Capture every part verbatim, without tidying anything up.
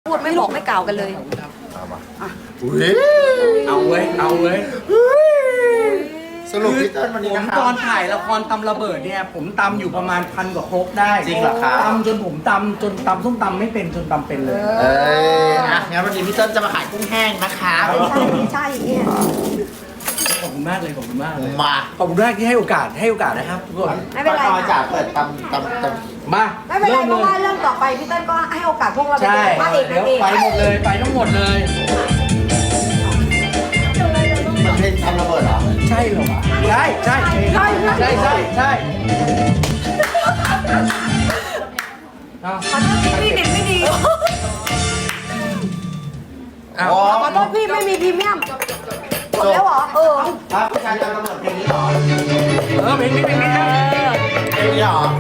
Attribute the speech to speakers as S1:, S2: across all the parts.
S1: พูดไม่บอกไม่กล่าวกันเลย
S2: เอามา
S3: เอาเว้ยเอาเว้ย
S2: สรุปพี่เติ้ลวันนี้
S3: ผม
S2: นะครับ
S3: ตอนถ่ายละครตำระเบิดเนี่ยผมตำอยู่ประมาณพันกว่าครกได้
S2: จริงเหรอครับ
S3: ตำจนผมตำจนตำส้มตำไม่เป็นจนตำเป็นเลย
S2: เอ้ยอ่ะงั้นวันนี้พี่เติ้ลจะมาขายกุ้งแห้งนะคะ
S1: ไม่ใช่ไม่ใช่เนี่ย
S3: ขอบคุณมากเลยขอบคุณมากเลย
S2: มา
S3: ขอบคุณมากที่ให้โอกาสให้โอกาสนะครับทุกคน
S1: ไม่เป็นไร
S2: ป้า
S1: ค่ะ
S2: จ๋าเปิดตำตำตำ
S3: มา
S1: ไม่เป็นไร
S3: ริ่
S1: เพราะว่าเรื่องต่อไปพี่เติ้ลก็ให้โอกาสพวกเราเป็น
S3: ใช่
S1: พระเอก
S3: เดี๋
S1: นา
S3: ยว
S1: งเอก
S3: ไปหมดเลยไปทั้งหมดเลย
S2: มันเป็นตำระเบิดเหรอ
S3: ใช่เหรอวะใช่ใช่ใช่ใช่ใช่ใช่เอา
S1: ขอโทษพี่พี่เด็ดไม่ดี
S3: เอา
S2: อ๋อ
S1: ขอโทษพี่ไม่มีพรีเมียมจบแล้วเหรอเออ
S2: ถ้าผู้ชายตำระเบิดเพลงนี้เหรอ
S3: เออเพลงนี้เพลงนี้นะ
S2: เพลงนี้เหรอ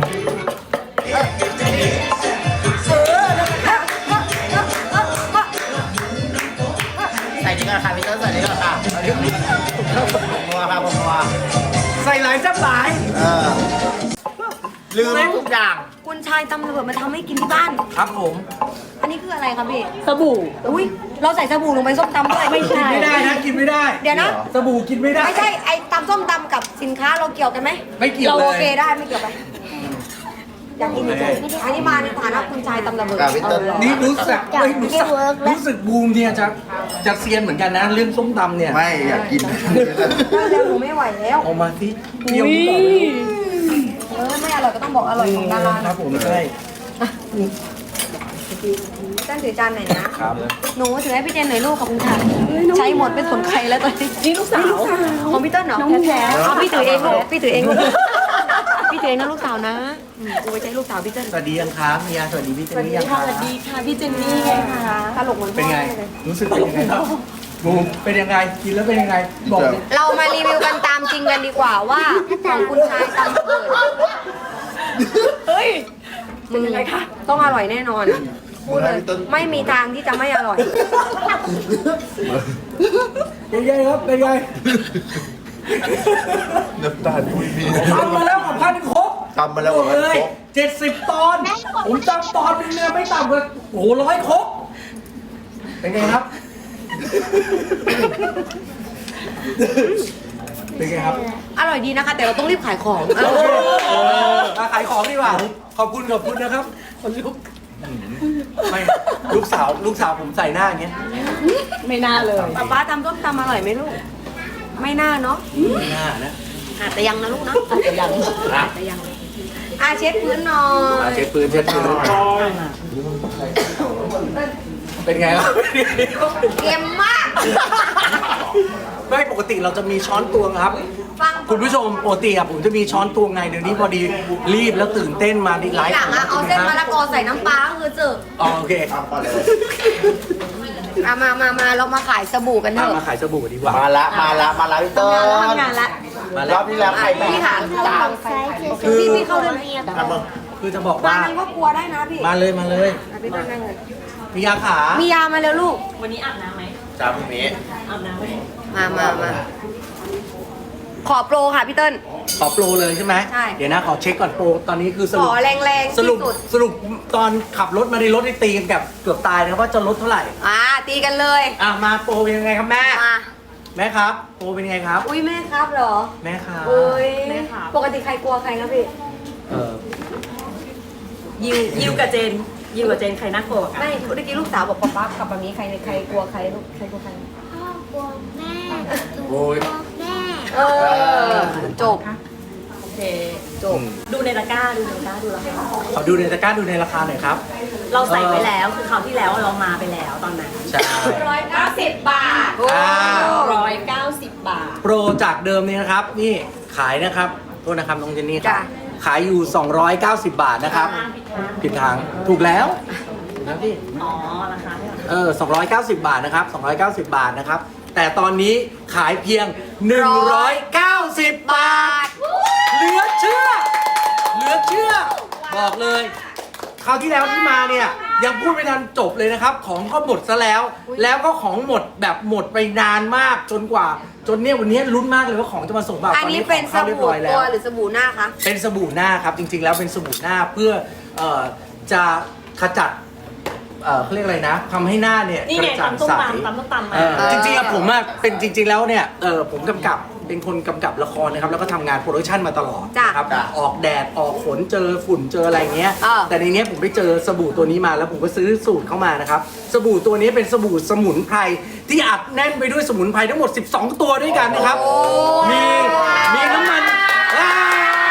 S2: ใส่นี่ก่อนค่ะพี่เติ้ลใส่นี่ก่อนค่ะผมนัวค่ะผมนัว
S3: ใส่หลายจับหลาย
S2: เออลืมทุกอย่าง
S1: คุณชายตำรวจมาทำให้กินที่บ้าน
S3: ครับผม
S1: อันนี้คืออะไรครับพี่
S4: สบู่
S1: อุ้ยเราใส่สบู่ลงไปส้มตำด้วยไม่ใช่
S3: กินไม่ได้นะกินไม่ได้
S1: เดี๋ยวนะ
S3: สบู่กินไม่ได้
S1: ไม่ใช่ไอ้ตำส้มตำกับสินค้าเราเกี่ยวกันไหม
S3: ไม่เกี่ยว
S1: เรา
S3: เลย
S1: โอเคได้ไม่เกี่ยวไปอยากกินจริงๆอันนี้มาในฐานะคุณชายตำระเบิด
S2: กับพี่เติ้ล
S3: นี่รู้สึกเฮ้ยรู้สึกรู้สึกบูมเนี่ยจะจะเซียนเหมือนกันนะเรื่องส้มตำเนี่ย
S2: ไม่อยากกิน
S1: ได้แล้วหนูไม่ไหวแล้ว
S3: เอามาสิเปรี้ยวก่อนเลย
S1: เออไม่อร่อยก็ต้องบอกอร่อยของดารา
S3: ค
S1: นะ
S3: รับผมใช่
S1: ต้นถือจานหน่อยนะครับ หนูถือให้พี่เจนหน่อยลูกขอบคุณค่ะใช้หมดไม่สนใครแล้วตอนนี้
S4: นี่ลูกสาว
S1: ของพี่เต้นเหรอแท้ๆเอาพี่ถือเองลูกพี่ถือเองลูกพี่ถือเองนะลูกสาวนะอืมกูไปใช้ลูกสาวพี่เต้น
S3: สวัสดียังครับมียาสวัสดีพี่เจนนี่ยังค
S4: ส
S3: รับ
S4: วัสดีค่ะพี่เจนนี่ไงคะ
S1: ตลกเหมือนพ่อ
S3: เป็นไง
S1: เลย
S3: รู้สึกเป็นยังไงครับบูมเป็นยังไงกินแล้วเป็นยังไงบอกเลย
S1: เรามารีวิวกันตามจริงกันดีกว่าว่าของคุณชายตำระเบิด
S4: เฮ้ย
S1: มึงต้องอร่อยแน่นอนพูดเลยไม่มีทางที่จะไม่อร่อย
S3: เป็นไงครับเป็นไง
S2: น้ำตาลคุยมี
S3: ทำมาแล้วกับพันครบ
S2: ทำมาแล้วกับพันครบ
S3: เจ็ดสิบตอนผมจำตอนนึงเนี่ยไม่ต่ำกว่าโอ้โหร้อยครบเป็นไงครับเป็นไงครับ
S1: อร่อยดีนะคะ แต่เราต้องรีบขายของ
S3: เออมาขายของดีกว่าขอบคุณขอบคุณนะครับคนลุกไม่ลูกสาวลูกสาวผมใส่หน้าอย่างเงี้ย
S4: ไม่น่าเลย
S1: ป๊าป๊าทำต้มตำอร่อยไหมลูก ไม่น่าเนาะ
S3: ไม่น่านะ
S1: อาจจะยังนะลูกนะ
S4: อาจจะยัง
S3: อ่ะ
S1: อาจจะยังอาเช็ดพื้นหน่อ
S3: มาย เช็ดปืนเช็ดปืนเป็นไงครับ
S1: เค็มมาก
S3: ไม่ปกติเราจะมีช้อนตวงครับ
S1: ฟัง
S3: คุณผู้ชมปกติอะผมจะมีช้อนตวงไงเดี๋ยวนี้พอดีรีบแล้วตื่นเต้นมาดีไล
S1: ที
S3: ฟ์
S1: หลังอะเอาเส้นมะละกอใส่น้ำปลาก็คือเจอ
S3: อ๋อโอเค
S2: ทำก่อนเลย
S1: อะมามามาเรามาขายสบู่กันเถ
S3: มา
S1: อะ
S3: มาขายสบู่ดีกว่า
S2: มาละมาละมาละพี่เติ้ล
S1: ทำงานละ
S3: มาร แล้
S2: อ
S3: ว
S2: บที่แล้วใครไม่
S1: พี่หา
S2: จ่า
S3: คือ
S1: พี่พี่เข้าด้วยไหม
S2: ทำมึง
S3: คือจะบอก
S1: มา
S3: ว่า
S1: นั่งก็กลัวได้นะพี่
S3: มาเลยมาเลย
S1: อ่ะพี่นั่งนั่งเลย
S3: มียาขา
S1: มียามาเร็วลูก
S4: วันนี้อาบน้ำไหม
S2: จ่าพรุ่งนี้
S4: อาบน้ำไหม
S1: มามามาขอโปรค่ะพี่เติ้ล
S3: ขอโปรเลยใช่ไหม
S1: ใช่
S3: เดี๋ยวนะขอเช็คก่อนโปรตอนนี้คือส
S1: ข
S3: รุป
S1: อแรงๆ
S3: สรุ
S1: ที่
S3: ป
S1: สุด
S3: สรุปตอนขับรถมาในรถที่ตีกันกับเกือบตายนะครับว่าจะลดเท่าไหร่
S1: อ่าตีกันเลย
S3: อ่ะมาโปรเป็นยังไงครับแม่
S1: มา
S3: แม่ครับโปรเป็นยังไงครับ
S1: อุ้ยแม่ครับเหรอ
S3: แม่ครับ
S1: อุ้ยปกติใครกลัวใครครับพี่
S3: เออ
S4: ยิวยิวกับเจน ยิวกับเจนใครน่ากลัวกว่ากัน
S1: ไม่เมื่อกี้ลูกสาวบอกป๊าป๊ากับป๊ามีใครใครกลัวใครลูกใครกลัวใคร
S5: พ่อกลัวแม่
S3: โอ้ย
S5: กลัวแม่
S1: เออจบ
S4: โอเค
S1: จบ
S4: ดูในตะกร้า ดูในตะกร้า ดูราคา
S3: ขอดูในตะกร้าดูในราคาหน่อยครับ
S4: เราใส่ไว้แล้ว คือคราวที่แล้วเรามาไปแล้วตอนนั้น
S3: ใช่
S4: ร้อยเก้าสิบบาท
S3: อ่า
S4: ร้อยเก้าสิบบาท
S3: โปรจากเดิมนี่นะครับ นี่ขายนะครับโทษนะครับน้องเจนนี่ครับ
S1: จ้ะ
S3: ขายอยู่ สองร้อยเก้าสิบบาทนะครับ ผิดทางถูกแล้วถูกแล้วพี่
S4: อ๋อ ราคาเท่าไหร่
S3: เออสองร้อยเก้าสิบบาทนะครับสองร้อยเก้าสิบบาทนะครับ แต่ตอนนี้ขายเพียง หนึ่งร้อยเก้าสิบบาท เหลือเชื่อ เหลือเชื่อ บอกเลย คราวที่แล้วที่มาเนี่ยยังพูดไม่ทันจบเลยนะครับ ของก็หมดซะแล้ว แล้วก็ของหมดแบบหมดไปนานมากจนกว่า จนเนี่ยวันนี้ลุ้นมากเลยว่าของจะมาส่งเปล่า
S1: อัน
S3: ตอน
S1: นี้
S3: นี้ข
S1: เป็
S3: อน ง
S1: ส
S3: เข้าเรียบ
S1: บู่
S3: ร้อยแล้
S1: ตัว วหรือสบู่หน้าคะ
S3: เป็นสบู่หน้าครับจริงๆแล้วเป็นสบู่หน้าเพื่อเอ่อจะขจัดเอ่อเขาเรียกอะไรนะทำให้หน้าเนี่ย
S4: นี่
S3: ก
S4: ไง
S3: ระจ่าง
S4: ตำส้ม
S3: ใส
S4: ตำตำส้มตำมา
S3: เออจริงๆอะผมอะเป็นจริง ๆแล้วเนี่ยเออผมกำกับเป็นคนกำกับละครนะครับแล้วก็ทำงานโปรดักชันมาตลอด
S1: จ้ะ
S3: นะครับออกแดดออกฝนเจอฝุ่นเจออะไรเงี้ย
S1: เออ
S3: แต่ในเนี้ยผมไปเจอสบู่ตัวนี้มาแล้วผมก็ซื้อสูตรเข้ามานะครับสบู่ตัวนี้เป็นสบู่สมุนไพรที่อัดแน่นไปด้วยสมุนไพรทั้งหมดสิบสองตัวด้วยกันนะครับมีมีน้ำมันอ่า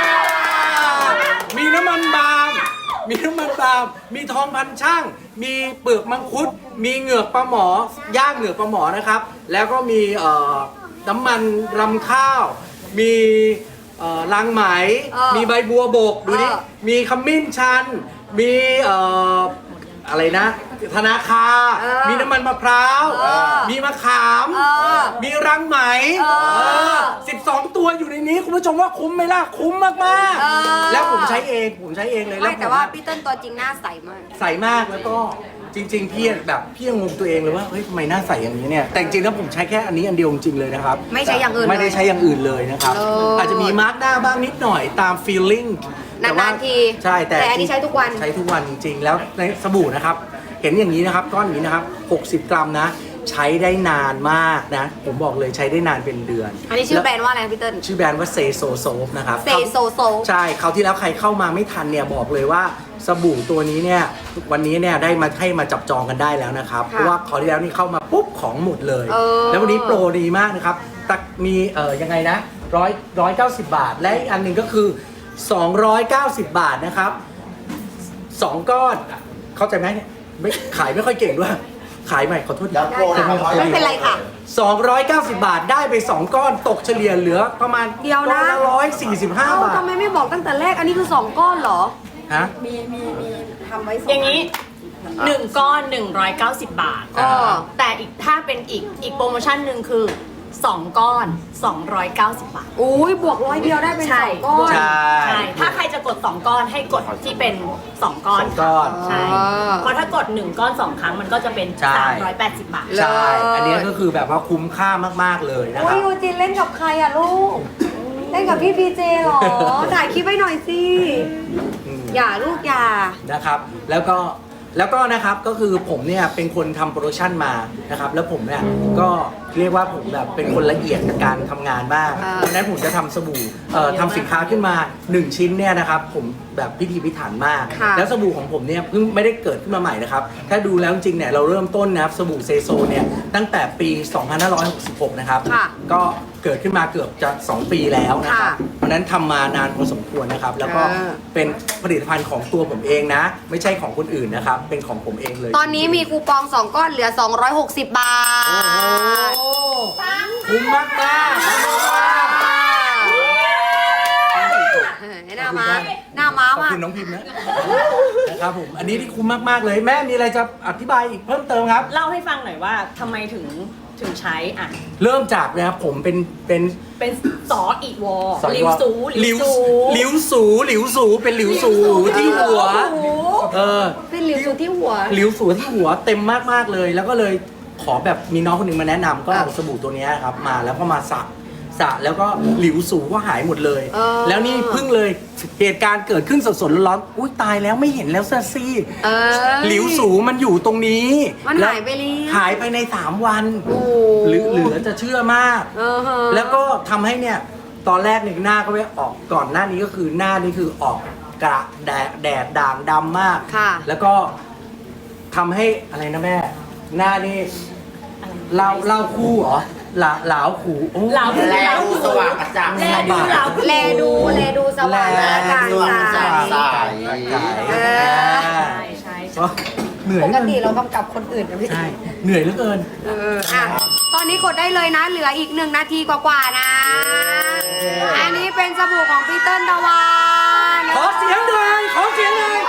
S3: มีน้ำมันบาล์มมีน้ำมันบาล์มมีทองพันช่างมีเปลือกมังคุดมีเหงือกปลาหมอย่างเหงือกปลาหมอนะครับแล้วก็มีเอ่อน้ำมันรำข้าว มีเอ่อรังไหม
S1: เออ
S3: มีใบบัวบกดูดิ
S1: เออ
S3: มีขมิ้นชัน มีเอ่ออะไรนะ ธนาคา
S1: เออ
S3: มีน้ำมันมะพร้าว
S1: เออ
S3: มีมะขาม
S1: เออ
S3: มีรังไหม
S1: เออ
S3: สิบสองตัวอยู่ในนี้คุณผู้ชมว่าคุ้มไหมล่ะ คุ้มมาก
S1: เออ
S3: ๆ แล้วผมใช้เอง ผมใช้เองเลย
S1: ไม่
S3: ผม
S1: แต่ว่าพี่เติ้ลตัวจริงหน้าใสมาก
S3: ใสมากแล้วก็จริง ๆ พี่แบบพี่ยังงงตัวเองเลยว่าเฮ้ยทำไมหน้าใสอย่างนี้เนี่ยแต่จริงๆแล้วผมใช้แค่อันนี้อันเดียวจริงๆเลยนะครับ
S1: ไม่ใช้อย่างอื่นเลย
S3: ไม่ได้ใช้อย่างอื่นเลยนะครับ
S1: เอออ
S3: อาจจะมีมาร์กหน้าบ้างนิดหน่อยตาม feeling แต่ว่
S1: นานๆที
S3: ใช่แต่
S1: แต่อันนี้ใช้ทุกวัน
S3: ใช้ทุกวันจริงๆ แล้วในสบู่นะครับ เห็นอย่างนี้นะครับก้อนอย่างนี้นะครับหกสิบกรัมนะ ใช้ได้นานมากนะ ผมบอกเลยใช้ได้นานเป็นเดือน
S1: อันนี้ชื่อแบรนด์ว่าอะไรนะพี่เติ้ล
S3: ชื่อแบรนด์ว่าเซโซโซฟนะครับ
S1: เซโซโซ
S3: ใช่คราวที่แล้วใครเข้ามาไม่ทันเนี่ยบอกเลยว่าสบู่ตัวนี้เนี่ยวันนี้เนี่ยได้มาให้มาจับจองกันได้แล้วนะครับ
S1: ค่ะ
S3: เพราะว่าคราวที่แล้วนี่เข้ามาปุ๊บของหมดเลย
S1: เออ
S3: แล้ววันนี้โปรดีมากนะครับตักมีเอ่อยังไงนะร้อยร้อยเก้าสิบบาท และอีกอันหนึ่งก็คือ สองร้อยเก้าสิบบาทนะครับสองก้อนเข้าใจไหมเนี่ยไม่ขายไม่ค่อยเก่งด้วยขายใหม่ขอโทษ
S2: แล้วโปรนะครับ
S1: ไม่เป็นไรค่ะ
S3: สองร้อยเก้าสิบบาทได้ไปสองก้อนตกเฉลี่ยเหลือประมาณ
S1: เดียวนะ
S3: ก้อนละร้อยสี่สิบห้า
S1: เอ้า
S3: บาท
S1: ทำไมไม่บอกตั้งแต่แรก อันนี้คือสองก้อนเหรอ
S3: ฮะ
S1: มีมีมีทำไว้สอง
S4: อย่างนี้หนึ่งก้อนหนึ่งร้อยเก้าสิบบาท
S1: อ๋อ
S4: แต่อีกถ้าเป็นอีกอีกโปรโมชั่นหนึ่งคือสองก้อนสองร้อยเก้าสิบบาท
S1: อุ้ยบวกร้อยเดียวได้เป็นสองก้อน
S3: ใช่
S4: ใช่ ถ้าใครจะกดสองก้อนให้กดที่เป็นสองก้อน
S3: สองก้อน
S4: ใช่
S1: อ๋อ
S4: เพราะถ้ากดหนึ่งก้อนสองครั้งมันก็จะเป็น
S3: ใช่
S4: สามร้อยแปดสิบบาท
S3: ใช่ อันนี้ก็คือแบบว่าคุ้มค่ามากๆเลยนะค
S1: โอ้
S3: รั
S1: ย
S3: บ
S1: ยูจินเล่นกับใครอะลูก เล่นกับพี่พีเจเหรอ ถ่ายคลิปไว้หน่อยสิ
S3: อืม
S1: อย่าลูกอย่า
S3: นะครับ แล้วก็แล้วก็นะครับก็คือผมเนี่ยเป็นคนทำโปรดักชันมานะครับแล้วผมเนี่ยก็เรียกว่าผมแบบเป็นคนละเอียดกับการทำงานมาก
S1: อ่า
S3: เพราะฉะนั้นผมจะทำสบู่เอ่อทำสินค้าขึ้นมาหนึ่งชิ้นเนี่ยนะครับผมแบบพิถีพิถันมาก
S1: ค่ะ
S3: แล้วสบู่ของผมเนี่ยเพิ่งไม่ได้เกิดขึ้นมาใหม่นะครับถ้าดูแล้วจริงๆเนี่ยเราเริ่มต้นนะครับสบู่เซโซเนี่ยตั้งแต่ปี สองพันห้าร้อยหกสิบหก นะครับ
S1: ค่ะ
S3: ก็เกิดขึ้นมาเกือบจะสองปีแล้วนะครับ
S1: ค่ะ
S3: เพราะฉะนั้นทำมานานพอสมควรนะครับแล้วก็
S1: อ่า
S3: เป็นผลิตภัณฑ์ของตัวผมเองนะ ไม่ใช่ของคนอื่นนะครับ เป็นของผมเองเลย
S1: ตอนนี้มีคูปองสองก้อนเหลือสองร้อยหกสิบบาท
S3: โอ้โหคุ้มมากมากๆคุ้มมากๆ
S1: เออหน้าม้าหน้าม้า
S3: ขอบ
S1: มาก
S3: คุณน้องพิมพ์นะนะครับผมอันนี้ที่คุ้มมากๆเลยแม่มีอะไรจะอธิบายอีกเพิ่มเติมครับ
S4: เล่าให้ฟังหน่อยว่าทำไมถึงถึงใช้อ่ะ
S3: เริ่มจากนะครับผมเป็นเป็น
S4: เป็นสออีวอ
S3: สอน
S4: ลิว
S3: ว่า
S4: ซู
S3: หลิ
S4: ลิ
S3: ว
S4: วซู
S3: หลิวสูหลิวสูเป็นหลิวสูที่หัว เออ
S1: เป็นหลิวสูที่หัว
S3: หลิวสูที่หัวเต็มมากๆเลย แล้วก็เลยขอแบบมีน้องคนหนึ่งมาแนะนำก็เอาสบู่ตัวเนี้ยครับมาแล้วก็มาสระสระแล้วก็หลิวสูก็หายหมดเลย
S1: เออ
S3: แล้วนี่เพิ่งเลยเหตุการณ์เกิดขึ้นสดๆร้อนๆอุ้ยตายแล้วไม่เห็นแล้วเซซี่
S1: เออ
S3: หลิวสูมันอยู่ตรงนี้
S1: มัน
S3: แล้ว
S1: หายไปแล้ว
S3: หายไปในสามวัน
S1: โอ้
S3: หรือเหลือจะเชื่อมาก
S1: เออฮะ
S3: แล้วก็ทำให้เนี่ยตอนแรกเนี่ยหน้าก็ไม่ออกก่อนหน้านี้ก็คือหน้านี่คือออกกระแดดแดดด่างดำมาก
S1: ค่ะ
S3: แล้วก็ทำให้อะไรนะแม่ หน้านี่เล่าเล่าคู่เหรอหลาหลาวขู่โอ้
S4: เหลา
S2: แล้วสว่างกระจ่าง
S4: แลดูเหลา
S1: แลดูแลดูสว่างและการ
S2: สว่าง
S1: ใส
S2: ใส
S1: เออ
S4: ใช่ใช่ใช่
S3: เหนื่อย
S1: ป
S3: เหลื
S1: ก
S3: อ
S1: ติ
S3: เกิน
S1: เรากำกับคนอื่นนะพี่
S3: ใช่เหนื่อยเหลือเกิน
S1: เอออ่ะตอนนี้กดได้เลยนะ เหลืออีกหนึ่งนาทีกว่าๆนะ อันนี้เป็นสบู่ของพี่เติ้ลตะวัน
S3: ขอเสียงหน่อยขอเสียงหน่อย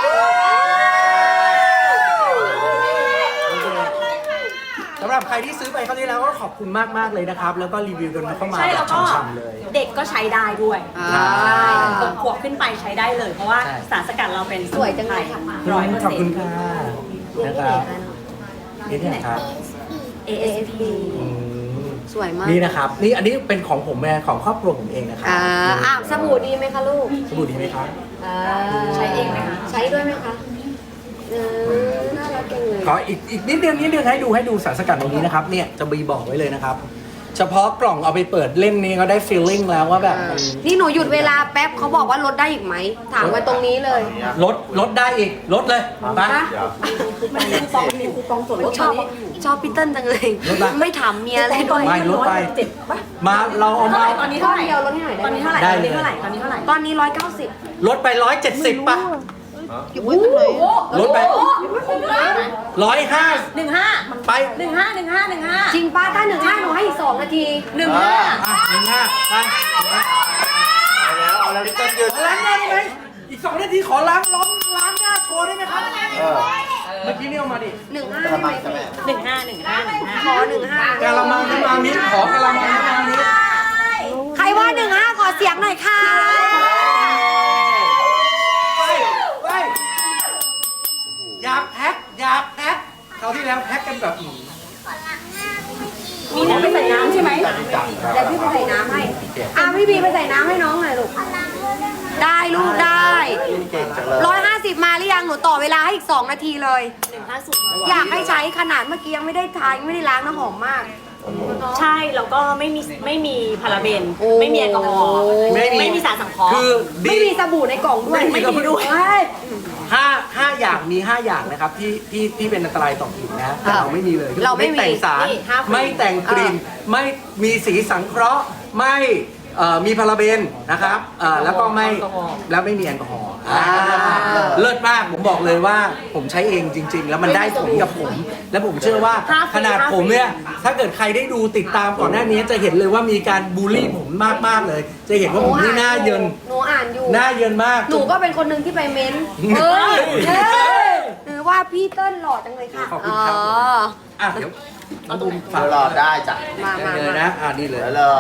S3: สำหรับใครที่ซื้อไปครั้งที่แล้วก็ขอบคุณมาก ๆ เลยนะครับ แล้วก็รีวิวกันเข้ามา
S4: ใช่
S3: แบ
S4: แล้ว
S3: บ
S4: ก็
S3: ช่ำๆเลย
S4: เด็กก็ใช้ได้ด้วย
S1: อ่า
S4: ใช่หกขวบขึ้นไปใช้ได้เลย เพราะว่า
S3: ใช่
S4: สารสกัดเราเป็น
S1: สวยจังเลยค่ะ
S4: ร้อยเปอร์
S3: ขอบ
S4: เซ็น
S3: คุณ
S4: ต์
S3: ค่ะนะครับนี่เนี่ยครับ
S4: เอ เอส พี
S3: อืม
S1: สวยมาก
S3: นี่นะครับ นี่อันนี้เป็นของผมแม่ของครอบครัวผมเองนะครับ
S1: อ่าอ่ะสบู่ดีไหมคะลูก
S3: สบู่ดีไหมครับ
S1: อ่า
S4: ใช้เองไหมคะ
S1: ใช้ด้วยไหมคะเออน่ารักจังเลย
S3: ขออีกอีกนิดเดียวนิดเดียวให้ดูให้ดูสารสกัดตรงนี้นะครับเนี่ยจะมีบอกไว้เลยนะครับ เฉพาะกล่องเอาไปเปิดเล่มนี้ก็ได้ feeling แล้วว่าแบบมัน
S1: นี่หนูหยุดเวลาแป๊บเขาบอกว่าลดได้อีกไหม ถามไว้ตรงนี้เลย
S3: ลดลดได้อีกลดเลยไป
S1: ฮะ
S4: มันมีคูปองมีคูปองส่วนลด
S1: ชอบชอบพี่เติ้ลจังเลย
S3: ลดปะ
S1: ไม่ถามเมียอะไรด้วย
S3: ไม่ลดไป
S4: เจ็ดป่ะ
S3: มาเราเอา
S4: เท่า
S3: มา
S4: ไหร่ตอนนี้เท่าไหร่
S1: เดียวลดให้หน่อยได้
S4: ตอน
S1: ไหม
S4: นี้เท่าไหร่
S3: ได้
S4: ตอน
S3: เลย
S4: นี้เท่าไหร่ตอนนี้เท่าไหร่
S1: ตอนนี้ร้อยเก้าสิบ
S3: ลดไปร้อยเจ็ดสิบป่ะ
S1: อยู่บนเลย
S3: ลดไปร้อยห้า
S4: หนึ่งห้า
S3: ไป
S4: หนึ่งห้าหนึ่งห้าหนึ่งห้า
S1: จริงป้าถ้าหนึ่งห้าหนูให้อีกสองนาที
S4: หนึ่งห้า
S3: อ่ะหนึ่งห้าไป
S2: เอาแล้วเอาแล้วพี่เติ้ลยืน
S3: ล้างหน้าได้ไหมอีกสองนาทีขอล้างล้อมล้างหน้าโชว์ได้ไหมครับ
S2: เออ
S3: เมื่อกี้นี่เอามาดิ
S1: หนึ่งห้าก
S2: ระ
S1: ได้ไหม
S2: มังใช่ไหม
S4: หนึ่งห้าหนึ่งห้าหนึ่งห้า
S1: ขอหนึ่งห้าก
S3: ะละมังน้ำมามิขอกะละมังน้ำมามิ
S1: ใครว่าหนึ่งห้าขอเสียงหน่อยค่ะ
S3: ไปไปอยากแพ็คอยากแพ็คคราวที่แล้วแพ็คกันแบบอื้อ
S4: มีน้ำไปใส่น้ำใช่ไหม
S2: แต่ไม่จังครับ
S1: เดี๋ยวพี่ไปใส่น้ำให้อ่ะพี่บีไปใส่น้ำให้น้องหน่อยลูก ได้ลูกได้
S2: เก่งจังเลย
S1: ร้อยห้าสิบมาหรือยังหนูต่อเวลาให้อีกสองนาทีเลย
S4: หนึ่งห้าสุด
S1: อยากให้ใช้ขนาดเมื่อกี้ยังไม่ได้ทายังไม่ได้ล้างน้ำหอมมาก
S4: ใช่แล้วก็ไม่มีไม่มีพาราเบน
S1: โอ้
S4: ไม่มีแอลกอฮอล์
S3: ไม่มี
S4: ไม่มีสารสังเคราะห์
S3: คือดี
S1: ไม่มีสบู่ในกล่องด้วย
S3: ไม่มีด้วย
S1: เฮ้ย
S3: ห้าห้าอย่างมีห้าอย่างนะครับที่ที่ที่เป็นอันตรายต่อผิวนะแต่เราไม่มีเลย
S1: เราไม่มี
S3: แต่งสาร
S4: นี่ห้าคน
S3: ไม่แต่งกลิ่นไม่มีสีสังเคราะห์ไม่เอ่อมีพาราเบนนะครับเอ่อแล้วก็ไม่แล้วไม่มีแอลกอฮอล์อ่าเลิศมากผมบอกเลยว่าผมใช้เองจริง ๆ แล้วมันได้ผลกับผม และผมเชื่อว่าขนาดผมเนี่ยถ้าเกิดใครได้ดูติดตามก่อนหน้านี้จะเห็นเลยว่ามีการบูลลี่ผมมากๆเลย จะเห็นว่าผมนี่หน้าเยิน
S1: หนูอ่านอยู่
S3: หน้าเยินมาก
S1: หนูก็เป็นคนหนึ่งที่ไปเม้นต์เฮ้ยเฮ้ยหรือว่าพี่เติ้ลหล่อจังเลยค่ะ
S3: ขอบคุณครับ
S1: อ๋อ
S3: อ่ะเดี๋ยวน้องบุมฝาก
S2: เดี๋ยวรอได้จ้ะ
S1: มามา
S3: เลย
S1: มา
S3: นะอ่ะนี่เลย
S2: เดี๋ยวเลย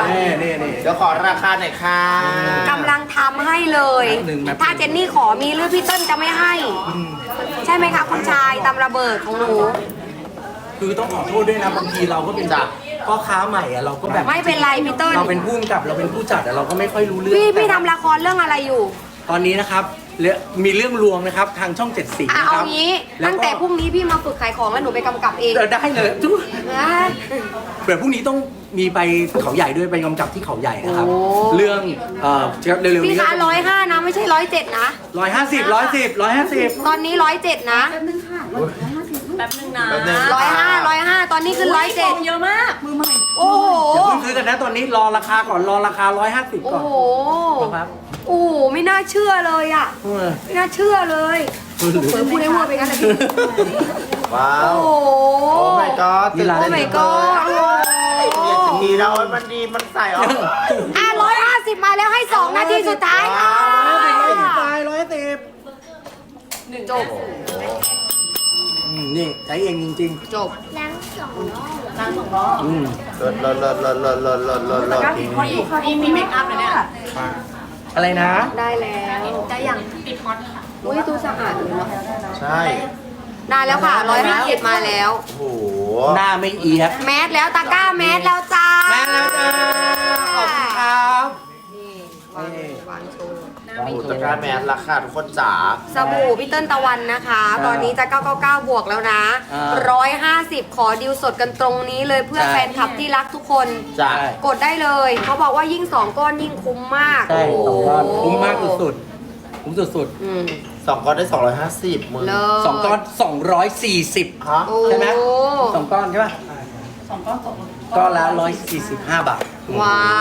S3: นี่นี่นี่
S2: เดี๋ยวขอราคาหน่อยค่ะ
S1: กำลังทำให้เลย
S3: หนึ่งแบบ
S1: ถ้าเจนนี่ขอมีหรือพี่เติ้ลจะไม่ให้ ใช่ไหมคะคุณชายตำระเบิดของหนู
S3: คือต้องขอโทษด้วยนะบางทีเราก็เป็นแบบพ่อค้าใหม่อะเราก็แบบ
S1: ไม่เป็นไรพี่เติ้ล
S3: เราเป็นผู้กำกับเราเป็นผู้จัดอะเราก็ไม่ค่อยรู้เรื่อง
S1: พี่พี่
S3: แต่
S1: ทำละครเรื่องอะไรอยู่
S3: ตอนนี้นะครับเรื่องมีเรื่องรวมนะครับทางช่องเจ็ดสี
S1: อ่ะ
S3: นะค
S1: เอา
S3: รับ
S1: งี้
S3: ล้ว
S1: ตั้ง
S3: ก็
S1: แต่พรุ่งนี้พี่มาฝึกขายของแล้วหนูไปกำกับเอง
S3: เออได้เลยทุก
S1: นะ
S3: เดี๋ยวพรุ่งนี้ต้องมีไปเขาใหญ่ด้วยไปกำกับที่เขาใหญ่นะครับ
S1: โอ้
S3: เรื่องเอ่อเร็วๆ
S1: พี่
S3: นี้
S1: คะร้อยห้านะไม่ใช่ร้อยเจ็ดนะ
S3: ร้อยห้าสิบร้อยสิบร้อยห้าสิบ
S1: ตอนนี้ร้อยเจ็ดนะ
S4: แป๊บนึงนะ
S2: แป๊บนึง
S1: ร้อยห้าร้อยห้าตอนนี้คือร้อยเจ็ด
S4: เยอะมากมือใหม่
S1: โอ้โห
S3: อย่าเพิ่งซื้อกันนะตอนนี้รอราคาก่อนรอราคาร้อยห้าสิบ
S1: โอ้
S3: ก่อน
S1: โห
S3: ครับ
S1: โอ้โหไม่น่าเชื่อเลยอ่ะ
S3: เออ
S1: ไม่น่าเชื่อเลยเผยพูดได้ว่าไปงั้นเลยพี่
S2: ว้า
S1: โอ้
S2: ว
S1: โห
S2: โอ้ my god
S3: นี่ร้าน
S1: โอ้ my god โอ้โห
S2: เรียนจะมีเรามันดีมันใส่ออก
S1: อ่ะร้อยห้าสิบมาแล้วให้สองนาทีสุดท้ายค่ะ
S3: ร้อยสิบไปร้อยสิบ
S1: จบ
S3: อืมนี่ใช้เองจริง
S1: จบ
S4: นางสองล้อ
S3: ๆอืม
S2: เลิศเลิศเลิศเลิศเลิศเลิศเลิศเลิศเลิศ
S4: นี่มีเมคอัพนะเนี่ย
S3: อะไรนะ
S1: ได้แล้ว
S4: ได้ยังติดฮอตค่ะ
S1: อุ้ยดูสะอาดเลยเนาะ
S2: ใช่
S1: ได้แล้วค่ะร้อยห้าสิบมาแล้ว
S2: โอ้โห
S3: หน้าไม่เอียด
S1: แมสแล้วตะกร้าแมสแล้วจ้า
S3: แม่แล้วจ้าขอบคุณครับ
S1: นี่วางวางโชว์
S2: โอ้โหตะกร้าแมสราคาทุกคนจ๋า
S1: สบู่พี่เติ้ลตะวันนะคะ ตอนนี้จะเก้าเก้าเก้าบวกแล้วนะ
S3: อ่า
S1: ร้อยห้าสิบขอดิวสดกันตรงนี้เลยเพื่อ
S3: ใช่
S1: แฟนคลับที่รักทุกคน
S2: จ้ะ
S1: กดได้เลย เขาบอกว่ายิ่งสองก้อนยิ่งคุ้มมาก
S3: ใช่
S1: โอ้โห
S3: สองก้อนคุ้มมากสุดๆคุ้มสุด
S1: อืม
S2: สองก้อนได้สองร้อยห้าสิบมึง
S1: เลิศ
S3: ๆสองก้อนสองร้อยสี่สิบ
S2: ฮะ
S1: โอ้
S3: ใช่ไหมสองก้อนใช่ป่ะสองก้อนก้อนละร้อยสี่สิบห้าบาท
S1: ว้าว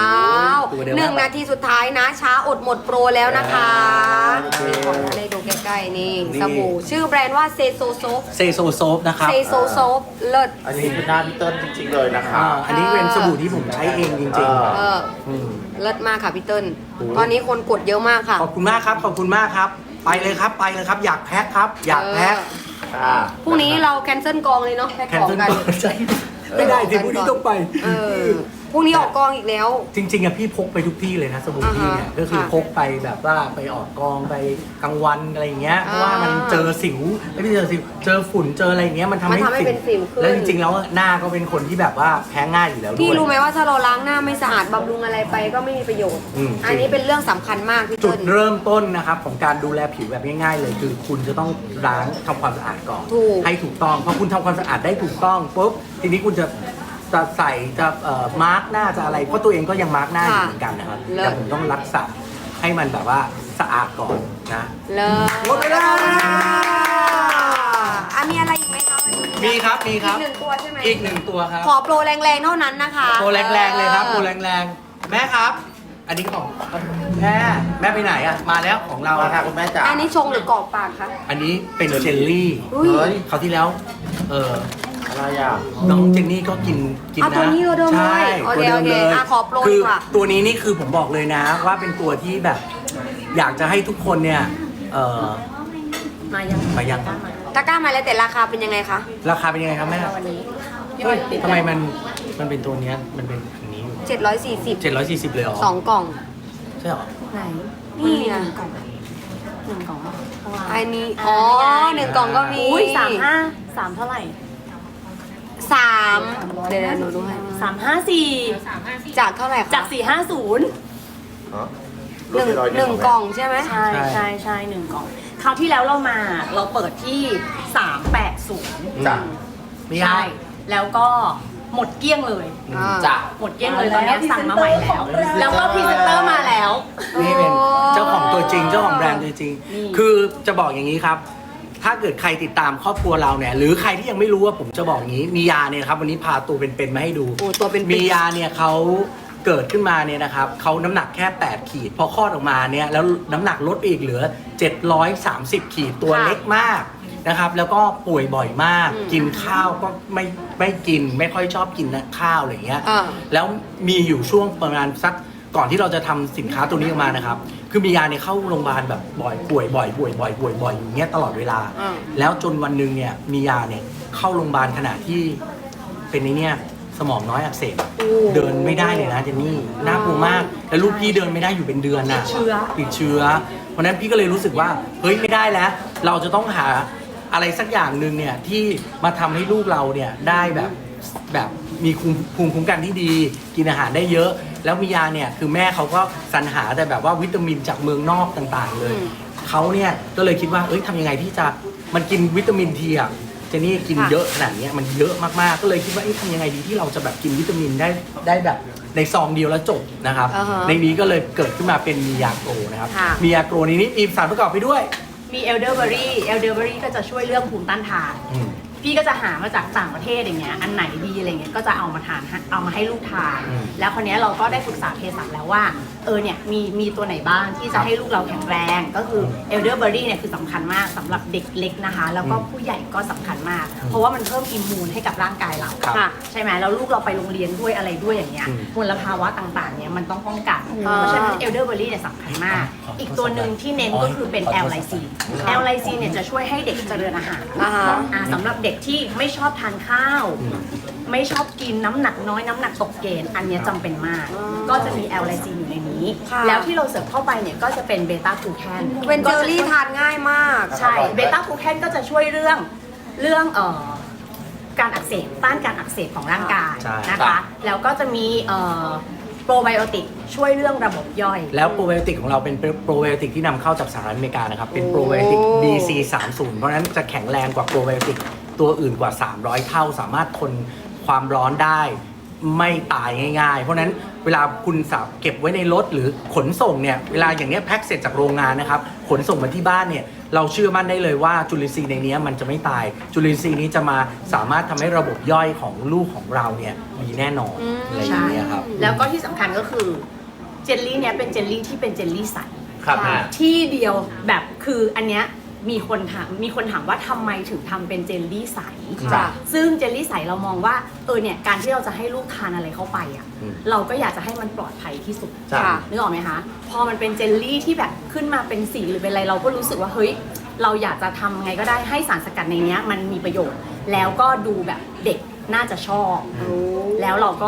S3: ตัวเดียว
S1: หนึ่งนาทีสุดท้ายนะ ช้าอดหมดโปรแล้วนะคะ
S2: โอเค
S1: นี่ของเลยดูใกล้ๆนี่
S3: นี่
S1: สบู่ชื่อแบรนด์ว่าเซโซโซฟ
S3: เซโซโซฟนะครับ
S1: เซโซโซฟเลิศ
S2: อันนี้คือหน้าพี่เติ้ลจริงๆเลยนะคะ
S3: อ่าอันนี้เป็นสบู่ที่ผมใช้เองจริง
S2: อ่า
S1: เออ
S3: ๆอืม
S1: เลิศมากค่ะพี่เติ้ลตอนนี้คนกดเยอะมากค่ะ
S3: ขอบคุณมากครับ ขอบคุณมากครับ ไปเลยครับ ไปเลยครับ อยากแพ็คครับ อยากแพ็ค
S2: ค่ะ
S1: พรุ่งนี้เราแคนเซิลกองเลยเนาะแพ็ค
S3: แคน
S1: ของ
S3: เซิล
S1: กัน
S3: ก่อนใช่ไม่ได้ที่พรุ่งนี้ต้องไป
S1: เออพรุ่งนี้ออกกองอีกแล้ว
S3: จริงๆอะพี่พกไปทุกที่เลยนะสบู่พี่เนี่ย
S1: อ่าฮะ
S3: ก็คือ
S1: ค่ะ
S3: พกไปแบบว่าไปออกกองไปกลางวันอะไรอย่างเงี้ยเพราะว่ามันเจอสิวไม่ได้เจอสิวเจอฝุ่นเจออะไรอย่างเงี้ยมันทำ
S1: มัน
S3: ให้
S1: ทำให้เป็นสิวขึ้น
S3: แล้วจริงๆแล้วหน้าก็เป็นคนที่แบบว่าแพ้ง่ายอยู่แล้วด้วย
S1: พี่รู้ไหมว่าถ้าเราล้างหน้าไม่สะอาดบำรุงอะไรไปก็ไม่มีประโยชน์
S3: อืม
S1: อันนี้เป็นเรื่องสำคัญมากพี่
S3: จุ
S1: เติ้
S3: ด
S1: ล
S3: เริ่มต้นนะครับของการดูแลผิวแบบง่ายๆเลยคือคุณจะต้องล้างทำความสะอาดก่อน
S1: ถูก
S3: ให้ถูกต้องพอคุณทำความสะอาดได้ถูกต้องปุ๊บทีนี้คุณจะจะใส่จะเอ่อมาร์กหน้าจะอะไรเพราะตัวเองก็ยังมาร์กหน้าอยู่เหมือนกันนะครับ
S1: เลิศ
S3: แต่ผมต้องรักษาให้มันแบบว่าสะอาดก่อนนะ
S1: เลิศ
S3: หมดเวลา
S1: อ่ะมีอะไรอีกไหมคะวันนี้
S3: มีครับมีครับ
S1: อีกหนึ่งตัวใช่ไหม
S3: อีกหนึ่งตัวครับ
S1: ขอโปรแรงๆเท่านั้นนะคะ
S3: โปรแรงๆเลยครับโปรแรงๆแม่ครับ อันนี้ของแม่แม่ไปไหนอ่ะมาแล้วของเรา
S2: มา
S3: อะ
S2: ค่ะคุณแม่จ๋า
S1: อันนี้ชงหรือกรอกปากคะ
S3: อันนี้เป็นเจลลี่
S1: อุ้ย
S2: เฮ้ย
S3: คราวที่แล้วเออ
S2: อะไรอ่ะ
S3: น้องเจนนี่ก็กินกิน
S1: อ่ะ
S3: นะ
S1: ตัวนี้ตัวเดิมเลย
S3: ใช่
S1: โอ
S3: ตัว
S1: เค
S3: เดิม
S1: โอเค
S3: เลย
S1: อ่ะขอโปร
S3: คื
S1: ดีกว่า
S3: ตัวนี้นี่คือผมบอกเลยนะ ว่าเป็นตัวที่แบบ อยากจะให้ทุกคนเนี่ยเออ
S4: มายัง
S3: มายัง
S4: กล้ามา
S1: ตะกร้ามาแล้วแต่ราคาเป็นยังไงคะ
S3: ราคาเป็นยังไงครับแม่
S4: วันนี้พี่บ
S3: เฮ้
S4: อย ยติด
S3: ทำไมมันมันเป็นตัวเนี้ยมันเป็นอันนี้อยู่
S1: เจ็ดร้อยสี่สิบ
S3: เจ็ดร้อยสี่สิบเลยเหรอ
S1: สองกล่อง
S3: ใช่เหรอ
S4: ไหน
S1: นี่
S4: ห
S1: อ่ะ
S4: นึ่งกล่องหนึ่งกล่องข้างล่าง
S1: อันนี้ อ๋อหนึ่งกล่องก็มี
S4: อุ้ยสามห้าสามเท่าไหร่
S1: สามเดี๋ยวๆหนูดูให้
S4: สามห้าสี่
S1: จากเท่าไหร่คะ
S4: จากสี่ห้าศูนย์
S1: หนึ่งหนึ่งกล่องใช่ไหม
S4: ใช่ใช่ใช่หนึ่งกล่องคราวที่แล้วเรามาเราเปิดที่สามแปดศูนย์
S2: จ้ะ
S3: มี
S4: ใช่ แล้วก็หมดเกลี้ยงเลย
S1: อ่า
S3: จ้ะ
S4: หมดเกลี้ยงเลยตอนนี้สั่งมาใหม่แล้ว แล้วก็พรีเซนเตอร์มาแล้ว
S3: นี่เป็นเจ้าของตัวจริงเจ้าของแบรนด์ตัวจริง
S4: นี่
S3: คือจะบอกอย่างนี้ครับ ถ้าเกิดใครติดตามครอบครัวเราเนี่ย หรือใครที่ยังไม่รู้ว่าผมจะบอกอย่างนี้ มียาเนี่ยครับวันนี้พาตัวเป็นๆมาให้ดู
S1: โอ้ตัวเป็นๆ
S3: มียาเนี่ยเขาเกิดขึ้นมาเนี่ยนะครับเขาน้ำหนักแค่แปดขีดพอคลอดออกมาเนี่ยแล้วน้ำหนักลดไปอีกเหลือเจ็ดร้อยสามสิบขีดตัว
S1: ค่ะ
S3: เล็กมากนะครับแล้วก็ป่วยบ่อยมาก
S1: อืม
S3: กินข้าวก็ไม่ไม่กินไม่ค่อยชอบกินนะข้าวอะไรอย่างเงี้ย
S1: อ่า
S3: แล้วมีอยู่ช่วงประมาณสักก่อนที่เราจะทำสินค้าตัวนี้ออกมานะครับ คือมียาเนี่ยเข้าโรงพยาบาลแบบบ่อยป่วยบ่อยป่วยบ่อยป่วยบ่อยอย่างเงี้ยตลอดเวลา
S1: อ่า
S3: แล้วจนวันหนึ่งเนี่ยมียาเนี่ยเข้าโรงพยาบาลขณะที่เป็นในเนี่ยสมองน้อยอักเสบเดินไม่ได้เลยนะเจนนี่น่ากลัวมาก แล้วลูกพี่เดินไม่ได้อยู่เป็นเดือนน่ะ
S4: ติดเชื้อ
S3: ติดเชื้อเพราะฉะนั้นพี่ก็เลยรู้สึกว่าเฮ้ยไม่ได้แล้ว เราจะต้องหาอะไรสักอย่างหนึ่งเนี่ยที่มาทำให้ลูกเราเนี่ยได้แบบแบบมีภูมิภูมิคุ้มกันที่ดี กินอาหารได้เยอะ แล้วมียาเนี่ยคือแม่เขาก็สรรหาแต่แบบว่าวิตามินจากเมืองนอกต่างๆ เลย
S1: อืม
S3: เขาเนี่ยก็เลยคิดว่าเอ้ยทำยังไงที่จะมันกินวิตามินทีอะเจนี่กิน
S1: ค่ะ
S3: เยอะขนาดเนี้ยมันเยอะมากๆก็เลยคิดว่าเอ้ยทำยังไงดีที่เราจะแบบกินวิตามินได้ได้แบบในซองเดียวแล้วจบนะครับ
S1: อ่าฮะ
S3: ในนี้ก็เลยเกิดขึ้นมาเป็นมียาโกรนะครับ
S1: ค่ะ
S3: มียาโกรนี้นี่มีสารประกอบไปด้วย
S4: มีเอลเดอร์เบอรี่เอลเดอร์เบอรี่ก็จะช่วยเรื่องภูมิต้านทาน
S3: อืม
S4: พี่ก็จะหามาจากต่างประเทศอย่างเงี้ย อันไหนดีอะไรเงี้ย ก็จะเอามาทานให้เอามาให้ลูกทาน
S3: อืม
S4: แล้วคนนี้ยเราก็ได้ปรึกษาเภสัชแล้วว่า เออเนี่ยมีมีตัวไหนบ้างที่
S3: ครั
S4: จะ
S3: บ
S4: ให้ลูกเราแข็งแรง ก็คือเอลเดอร์เบอรี่เนี่ยคือสำคัญมากสำหรับเด็กเล็กนะคะ แล้วก็
S3: อืม
S4: ผู้ใหญ่ก็สำคัญมาก เพราะว่ามันเพิ่มอิมมูนให้กับร่างกายเรา
S3: ครับ
S1: ค่ะ
S4: ใช่ไหมแล้วลูกเราไปโรงเรียนด้วยอะไรด้วยอย่างเงี้ย
S3: อืม
S4: มลภาวะต่างๆเนี่ยมันต้องป้องกัน
S1: อ่า
S4: เพราะฉะนั้นเอลเดอร์เบอรี่เนี่ยสำคัญมาก
S3: ขอโทษ
S4: อีกตัวหนึ่งที่เน้นก็คือเป็นแอลไลซีนแอลไลซีนเนี่ยจะช่วยให้เด็กเจริญอาหาร
S1: อ่าฮะ
S4: อ่าสำหรับเด็กที่ไม่ชอบทานข้าว
S3: อืม
S4: ไม่ชอบกินน้ำหนักน้อยน้ำหนักตกเกณฑ์อันเนี้ยจำเป็นมาก
S1: อ๋อ
S4: ก็จะมีแอลไลซีนอยู่ในนี้
S1: ค่ะ
S4: แล้วที่เราเสิร์ฟเข้าไปเนี่ยก็จะเป็นเบต้ากูแคน
S1: เป็นเจลลี่ทานง่ายมาก
S4: ใช่เบต้ากูแคนก็จะช่วยเรื่องเรื่องเอ่อการอักเสบต้านการอักเสบของร่างกาย
S3: ใช่
S4: นะคะ แล้วก็จะมีเอ่อโปรไบโอติกช่วยเรื่องระบบย่อย
S3: แล้วโปรไบโอติกของเราเป็นโปรไบโอติกที่นำเข้าจากสหรัฐอเมริกานะครับ เป็นโปรไบโอติก บี ซี สามสิบ เพราะฉะนั้นจะแข็งแรงกว่าโปรไบโอติกตัวอื่นกว่า สามร้อย เท่า สามารถทนความร้อนได้ ไม่ตายง่ายๆ เพราะฉะนั้นเวลาคุณสับเก็บไว้ในรถหรือขนส่งเนี่ย เวลาอย่างเนี้ยแพ็คเสร็จจากโรงงานนะครับ ขนส่งมาที่บ้านเนี่ย เราเชื่อมั่นได้เลยว่าจุลินทรีย์ในนี้มันจะไม่ตาย จุลินทรีย์นี้จะมาสามารถทำให้ระบบย่อยของลูกของเราเนี่ยดีแน่นอน
S1: อืม
S3: อะไรอย่างเงี้ยครับ
S4: แล้วก็ที่สำคัญก็คือเจลลี่เนี้ยเป็นเจลลี่ที่เป็นเจลลี่ใส
S3: ครับ
S1: ค่ะ
S4: ที่เดียวแบบคืออันเนี้ยมีคนถามมีคนถามว่าทำไมถึงทำเป็นเจลลี่ใส
S1: ค่ะ
S4: ซึ่งเจลลี่ใสเรามองว่าเออเนี่ยการที่เราจะให้ลูกทานอะไรเข้าไปอ่ะ
S3: อืม
S4: เราก็อยากจะให้มันปลอดภัยที่สุด
S3: จ้ะ
S1: ค่ะ
S4: นึกออกไหมคะพอมันเป็นเจลลี่ที่แบบขึ้นมาเป็นสีหรือเป็นอะไรเราก็รู้สึกว่าเฮ้ยเราอยากจะทำไงก็ได้ให้สารสกัดในเนี้ยมันมีประโยชน์ แล้วก็ดูแบบเด็กน่าจะชอบ แล้วเราก็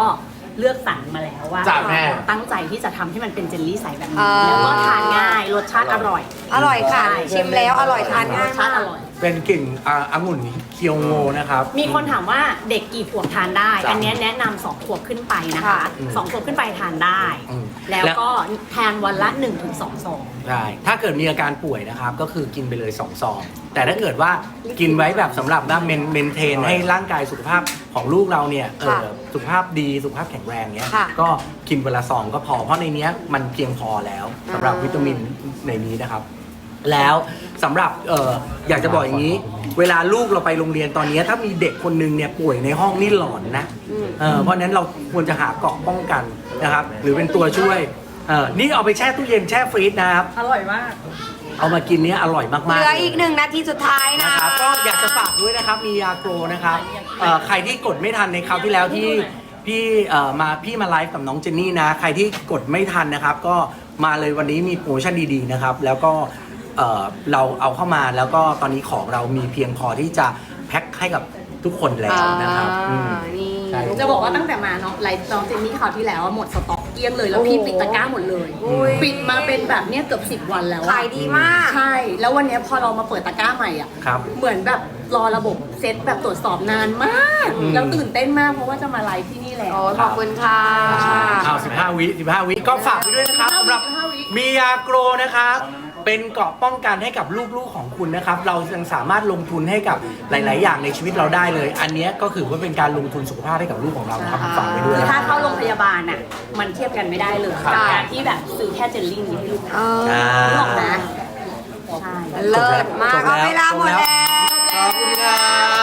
S4: เลือกสรรมาแล้วว่า
S2: จ้ะแม่
S4: เราตั้งใจที่จะทำให้มันเป็นเจลลี่ใสแบบ
S1: อ่า
S4: นี้แล้วก็ทานง่ายรสชาติอร่อย
S1: อร่อยค่ะ
S4: ใช่
S1: ชิมแล้วอร่อยทานง่าย
S4: รสชาม
S1: าก
S4: ติอร่อย
S3: เป็นกลิ่นอ่าองุ่นเคียวโงนะครับ
S4: มีคนถามว่าเด็กกี่ขวบทานได้
S2: จ้ะ
S4: อันเนี้ยแนะนำสองขวบขึ้นไปนะคะ
S1: ค่ะ
S4: สองขวบขึ้นไปทานได้
S3: อืม
S4: แล้วก็ทานวันละหนึ่งถึงสองซอง
S3: ใช่ ถ้าเกิดมีอาการป่วยนะครับ ก็คือกินไปเลยสองซอง แต่ถ้าเกิดว่ากินไว้แบบสำหรับว่าเมนเมนเทนให้ร่างกายสุขภาพของลูกเราเนี่ยเออ
S1: ค่ะ
S3: สุขภาพดีสุขภาพแข็งแรงเนี้ย
S1: ค่ะ
S3: ก็กินเวลาซองก็พอ เพราะในเนี้ยมันเพียงพอแล้วสำหรับ
S1: อ่า
S3: วิตามินในนี้นะครับ แล้วสำหรับเอออยากจะบอกอย่างนี้ เวลาลูกเราไปโรงเรียนตอนนี้ถ้ามีเด็กคนนึงเนี่ยป่วยในห้องนี่หลอนนะ
S1: อืม
S3: เออเพราะฉะนั้นเราควรจะหาเกราะป้องกันนะครับ หรือเป็นตัวช่วยเออนี่เอาไปแช่ตู้เย็นแช่ฟรีซนะครับ
S4: อร่อยมาก
S3: เอามากินเนี้ยอร่อยมากๆ
S1: เหลืออีกหนึ่งนาทีสุดท้ายนะ
S3: นะครับ ก็อยากจะฝากด้วยนะครับ มียาโกรนะครับเอ่อใครที่กดไม่ทันในคราวที่แล้วที่พี่เอ่อมาพี่มาไลฟ์กับน้องเจนนี่นะ ใครที่กดไม่ทันนะครับ ก็มาเลยวันนี้มีโปรโมชั่นดีๆนะครับ แล้วก็เอ่อเราเอาเข้ามาแล้วก็ตอนนี้ของเรามีเพียงพอที่จะแพ็คให้กับทุกคนแล้วนะครับอืม
S1: อ่านี่
S3: ใช่
S4: จะบอกว่าตั้งแต่มาเนาะไลฟ์น้องเจนนี่คราวที่แล้วอะหมดสต็อกเกลี้ยงเลย แล้วพี่
S1: โอ้โห
S4: ปิดตะกร้าหมดเลย
S1: อุ้ย
S4: ปิดมาเป็นแบบเนี้ยเกือบสิบวันแล้วอะ
S1: ขายดีมาก
S4: ใช่ แล้ววันเนี้ยพอเรามาเปิดตะกร้าใหม่อ่ะ
S3: ครับ
S4: เหมือนแบบรอระบบเซตแบบตรวจสอบนานมาก
S3: อืม
S4: แล้วตื่นเต้นมากเพราะว่าจะมาไลฟ์ที่นี่แล้ว
S1: โอ้ยขอบคุณค่ะ
S3: เอาสิบห้าวิสิบห้าวิก็ฝากไปด้วยนะครับสำหรับ
S4: สิบห้าวิ
S3: มียาโกรนะครับ เป็นเกราะป้องกันให้กับลูกๆของคุณนะครับ เรายังสามารถลงทุนให้กับหลาย ๆ อย่างในชีวิตเราได้เลย อันเนี้ยก็คือว่าเป็นการลงทุนสุขภาพให้กับลูกของเรานะครับฝากไปด้วย
S4: คือ
S3: นะค
S4: ถ้า
S3: รับ
S4: เข้าโรงพยาบาลอ่ะ มันเทียบกันไม่ได้เลย
S1: ครับ
S4: กับการที่แบบซื้อแค่เจลลี่นี้ให้ลูก
S1: เออ
S3: อ่า
S4: นึกออกนะใช่
S1: เลิศมาก
S3: จบ
S1: เอา
S3: แล้ว
S1: เวลาหมดแล้ว
S3: ขอบคุณครับ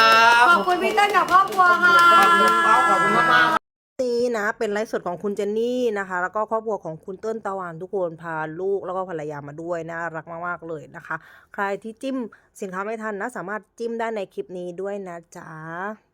S1: ขอบคุณพี่เต้นกับครอบครัวค่ะ
S3: ขอบคุณครับขอบคุณมากๆ
S5: นี้นะเป็นไลฟ์สดของคุณเจนนี่นะคะ แล้วก็ครอบครัวของคุณเติ้ลตะวันทุกคนพาลูกแล้วก็ภรรยามาด้วยน่ารักมากๆเลยนะคะ ใครที่จิ้มสินค้าไม่ทันนะสามารถจิ้มได้ในคลิปนี้ด้วยนะจ๊ะ